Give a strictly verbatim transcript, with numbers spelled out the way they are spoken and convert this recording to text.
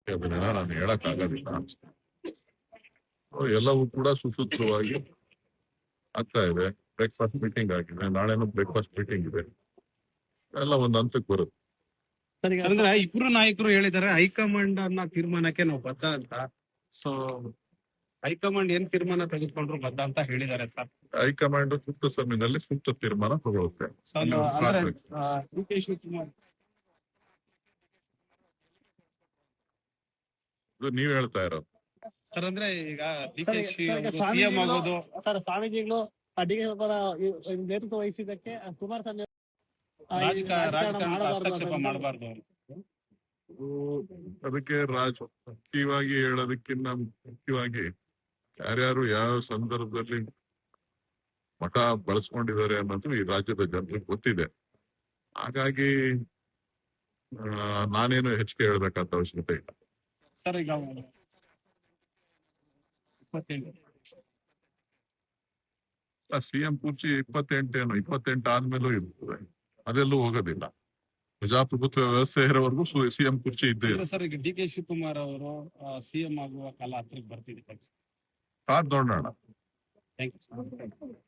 ಅದನ್ನ ನಾನು ಹೇಳಕ್ ಆಗೋದಿಲ್ಲ. ಎಲ್ಲವೂ ಕೂಡ ಸುಸೂತ್ರವಾಗಿ ಆಗ್ತಾ ಇದೆ. ಬ್ರೇಕ್ಫಾಸ್ಟ್ ಮೀಟಿಂಗ್ ಆಗಿದೆ, ನಾಳೆನೂ ಬ್ರೇಕ್ಫಾಸ್ಟ್ ಮೀಟಿಂಗ್ ಇದೆ, ಎಲ್ಲ ಒಂದು ಹಂತಕ್ಕೆ ಬರುತ್ತೆ. ಅಂದ್ರೆ ಇಬ್ರು ನಾಯಕರು ಹೇಳಿದ್ದಾರೆ ಹೈಕಮಾಂಡ್ ಅನ್ನ ತೀರ್ಮಾನಕ್ಕೆ ನಾವು ಬದ್ಧ ಅಂತ. ಸೊ ಹೈಕಮಾಂಡ್ ಏನ್ ತೀರ್ಮಾನ ತೆಗೆದುಕೊಂಡ್ರು ಬದ್ಧ ಅಂತ ಹೇಳಿದ್ದಾರೆ ಸರ್. ಹೈಕಮಾಂಡ್ ಸೂಕ್ತ ಸಮಯದಲ್ಲಿ ಸೂಕ್ತ ತೀರ್ಮಾನ ತಗೊಳುತ್ತೆ. ಡಿ ಕೆ ಶಿವಕುಮಾರ್ ನೀವ್ ಹೇಳ್ತಾ ಇರೋದು ಸರ್, ಅಂದ್ರೆ ಈಗ ಡಿ ಕೆ ಶಿ ಸಿಎಂ ಆಗೋದು ಸರ್, ಸ್ವಾಮೀಜಿಗಳು ಡಿ ಕೆ ಶಿವಕುಮಾರ್ ನೇತೃತ್ವ ವಹಿಸಿದ್ದಕ್ಕೆ ಕುಮಾರಸ್ವಾಮಿ ರಾಜಕಾರಣ ಹಸ್ತಕ್ಷೇಪ ಮಾಡಬಾರ್ದು. ಅದಕ್ಕೆ ರಾಜಕೀಯವಾಗಿ ಹೇಳೋದಕ್ಕಿಂತ ಮುಖ್ಯವಾಗಿ ಯಾರ್ಯಾರು ಯಾವ ಸಂದರ್ಭದಲ್ಲಿ ಮಠ ಬಳಸ್ಕೊಂಡಿದ್ದಾರೆ ಅನ್ನೋದು ಈ ರಾಜ್ಯದ ಜನರಿಗೆ ಗೊತ್ತಿದೆ. ಹಾಗಾಗಿ ನಾನೇನು ಹೆಚ್ಚಿಗೆ ಹೇಳ್ಬೇಕಂತ ಅವಶ್ಯಕತೆ ಇಲ್ಲ. ಸರ್, ಈಗ ಸಿಎಂ ಕುರ್ಚಿ ಇಪ್ಪತ್ತೆಂಟೇನು ಇಪ್ಪತ್ತೆಂಟು ಆದ್ಮೇಲೂ ಇರ್ತದೆ, ಅದೆಲ್ಲೂ ಹೋಗೋದಿಲ್ಲ. ಪ್ರಜಾಪ್ರಭುತ್ವ ವ್ಯವಸ್ಥೆ ಇರೋವರೆಗೂ ಸಿಎಂ ಕುರ್ಚಿ ಇದ್ದೇ ಇದೆ. ಸರ್, ಈಗ ಡಿ ಕೆ ಶಿವಕುಮಾರ್ ಅವರು ಸಿಎಂ ಆಗುವ ಕಾಲ ಹತ್ರಕ್ಕೆ ಬರ್ತಿದೆ. ಕಾದ್ ನೋಡೋಣ. Thank you.